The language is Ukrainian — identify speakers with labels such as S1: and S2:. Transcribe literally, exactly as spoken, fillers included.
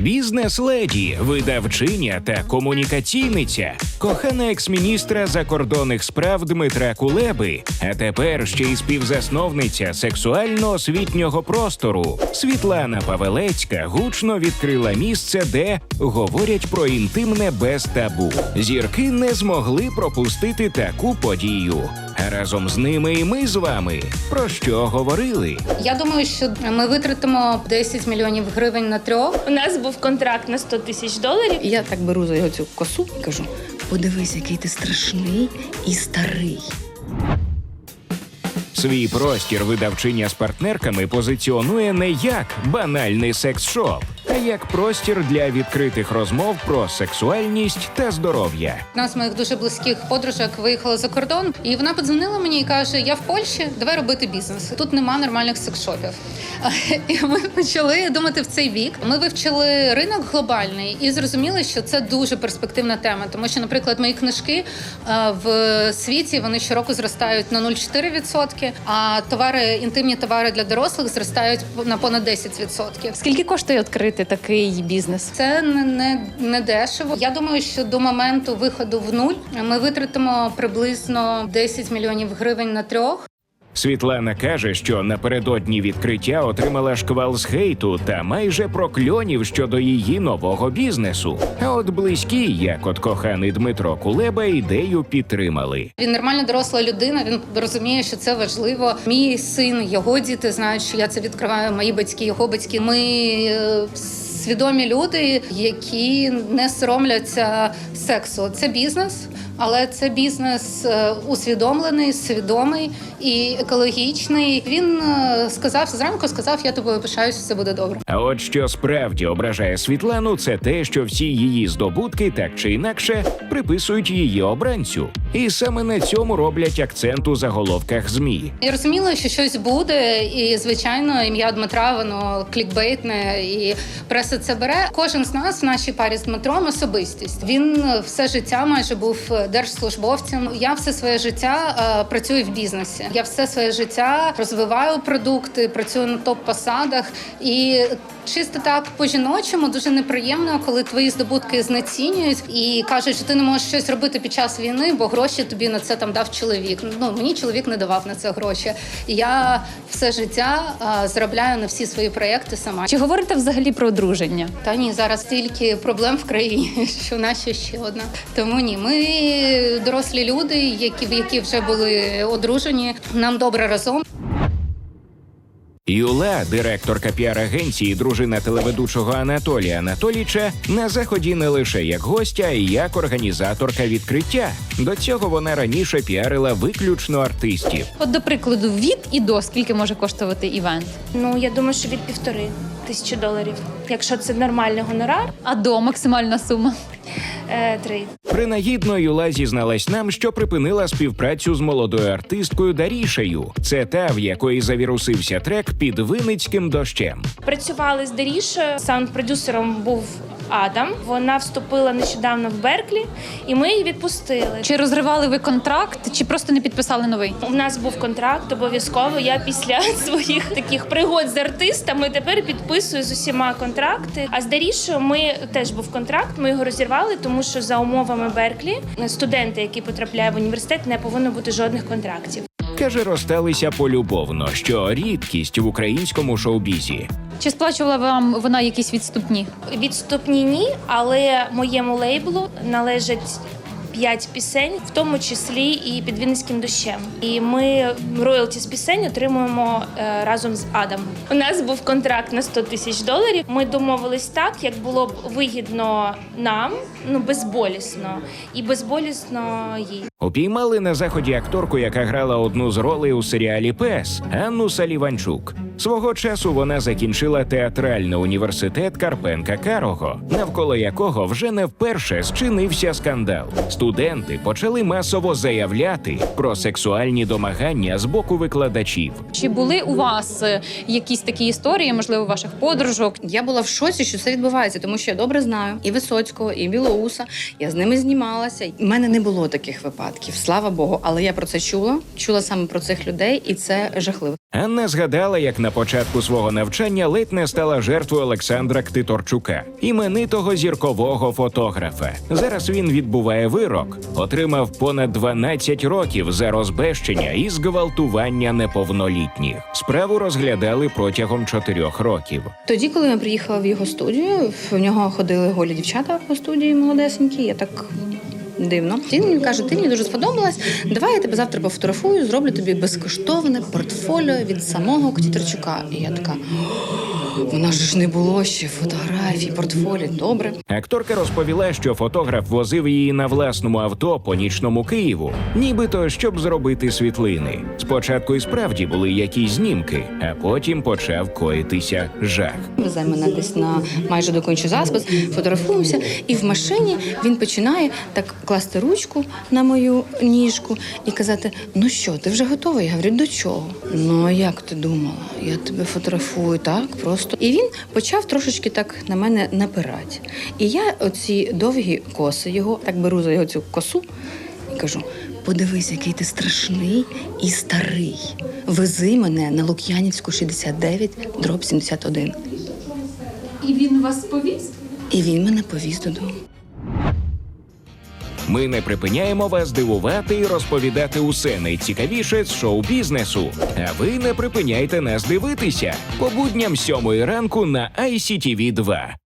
S1: Бізнес-леді, видавчиня та комунікаційниця, кохана екс-міністра закордонних справ Дмитра Кулеби, а тепер ще й співзасновниця сексуально-освітнього простору. Світлана Павелецька гучно відкрила місце, де говорять про інтимне без табу. Зірки не змогли пропустити таку подію. А разом з ними і ми з вами. Про що говорили?
S2: Я думаю, що ми витратимо десять мільйонів гривень на трьох.
S3: У нас був контракт на сто тисяч доларів.
S4: І я так беру за його цю косу і кажу: подивись, який ти страшний і старий.
S1: Свій простір видавчиня з партнерками позиціонує не як банальний секс-шоп, а як простір для відкритих розмов про сексуальність та здоров'я.
S2: Одна з моїх дуже близьких подружок виїхала за кордон, і вона подзвонила мені і каже: я в Польщі, давай робити бізнес. Тут нема нормальних секс-шопів. І ми почали думати в цей бік. Ми вивчили ринок глобальний і зрозуміли, що це дуже перспективна тема. Тому що, наприклад, мої книжки в світі, вони щороку зростають на нуль цілих чотири десятих відсотка, а товари, інтимні товари для дорослих зростають на понад десять відсотків.
S5: Скільки коштує відкрити такий бізнес?
S2: Це не, не, не дешево. Я думаю, що до моменту виходу в нуль ми витратимо приблизно десять мільйонів гривень на трьох.
S1: Світлана каже, що напередодні відкриття отримала шквал з хейту та майже прокльонів щодо її нового бізнесу. А от близькі, як от коханий Дмитро Кулеба, ідею підтримали.
S2: Він нормальна доросла людина, він розуміє, що це важливо. Мій син, його діти знають, що я це відкриваю, мої батьки, його батьки. Ми е, свідомі люди, які не соромляться сексу. Це бізнес. Але це бізнес усвідомлений, свідомий і екологічний. Він сказав, зранку сказав: я тобою пишаюся, все буде добре.
S1: А от що справді ображає Світлану, це те, що всі її здобутки так чи інакше приписують її обранцю. І саме на цьому роблять акцент у заголовках ЗМІ.
S2: Я розуміла, що щось буде, і, звичайно, ім'я Дмитра, воно клікбейтне, і преса це бере. Кожен з нас в нашій парі з Дмитром особистість. Він все життя майже був держслужбовцем. Я все своє життя е, працюю в бізнесі. Я все своє життя розвиваю продукти, працюю на топ-посадах. І чисто так по-жіночому дуже неприємно, коли твої здобутки знецінюють і кажуть, що ти не можеш щось робити під час війни, бо гроші тобі на це там дав чоловік. Ну, мені чоловік не давав на це гроші. Я все життя е, заробляю на всі свої проєкти сама.
S5: Чи говорите взагалі про одруження?
S2: Та ні, зараз стільки проблем в країні, що в нас ще одна. Тому ні, ми дорослі люди, які, які вже були одружені, нам добре разом.
S1: Юла, директорка піар-агенції, дружина телеведучого Анатолія Анатолійча, на заході не лише як гостя, а й як організаторка відкриття. До цього вона раніше піарила виключно артистів.
S5: От, до прикладу, від і до скільки може коштувати івент?
S3: Ну, я думаю, що від півтори тисячі доларів. Якщо це нормальний гонорар,
S5: А до максимальна сума?
S3: е, три.
S1: Принагідно Юла зізналась нам, що припинила співпрацю з молодою артисткою Дарішею. Це та, в якої завірусився трек «Під Винницьким дощем».
S3: Працювали з Дарішою, саунд-продюсером був Адам. Вона вступила нещодавно в Берклі, і ми її відпустили.
S5: Чи розривали ви контракт, чи просто не підписали новий?
S3: У нас був контракт обов'язково. Я після своїх таких пригод з артистами тепер підписую з усіма контракти. А з Дарішою ми теж був контракт, ми його розірвали, тому що за умовами Берклі студенти, які потрапляють в університет, не повинно бути жодних контрактів.
S1: Каже, розсталися полюбовно, що рідкість в українському шоу-бізі.
S5: Чи сплачувала вам вона якісь відступні?
S3: Відступні ні, але моєму лейблу належать п'ять пісень, в тому числі і «Під Вінницьким дощем». І ми роялті з пісень отримуємо е, разом з Адамом. У нас був контракт на сто тисяч доларів. Ми домовились так, як було б вигідно нам, ну, безболісно, і безболісно їй.
S1: Упіймали на заході акторку, яка грала одну з ролей у серіалі «Пес» – Анну Саліванчук. Свого часу вона закінчила театральний університет Карпенка-Карого, навколо якого вже не вперше зчинився скандал. Студенти почали масово заявляти про сексуальні домагання з боку викладачів.
S5: Чи були у вас е, якісь такі історії, можливо, ваших подружок?
S4: Я була в шоці, що це відбувається, тому що я добре знаю і Висоцького, і Білоуса. Я з ними знімалася. У мене не було таких випадків, слава Богу. Але я про це чула, чула саме про цих людей, і це жахливо.
S1: Анна згадала, як на початку свого навчання ледь не стала жертвою Олександра Ктиторчука, іменитого зіркового фотографа. Зараз він відбуває вирок, отримав понад дванадцять років за розбещення і зґвалтування неповнолітніх. Справу розглядали протягом чотирьох років.
S4: Тоді, коли я приїхала в його студію, в нього ходили голі дівчата по студії молодесенькі, я так дивно. Він мені каже, ти мені дуже сподобалась, давай я тебе завтра пофотографую, зроблю тобі безкоштовне портфоліо від самого Ктиторчука. І я така, у нас же ж не було ще фотографій, портфоліо, добре.
S1: Акторка розповіла, що фотограф возив її на власному авто по нічному Києву, нібито щоб зробити світлини. Спочатку і справді були якісь знімки, а потім почав коїтися жах.
S4: Везе мене десь на майже докончу заспис, фотографуємося, і в машині він починає так класти ручку на мою ніжку і казати, ну що, ти вже готова? Я говорю, до чого? Ну, а як ти думала? Я тебе фотографую так просто. І він почав трошечки так на мене напирати. І я оці довгі коси його, так беру за його цю косу і кажу, подивись, який ти страшний і старий. Вези мене на Лук'янівську, шістдесят дев'ять, дроб сімдесят один.
S5: І він вас повіз?
S4: І він мене повіз додому.
S1: Ми не припиняємо вас дивувати і розповідати усе найцікавіше з шоу-бізнесу. А ви не припиняйте нас дивитися по будням сьомої ранку на ай сі ті ві два.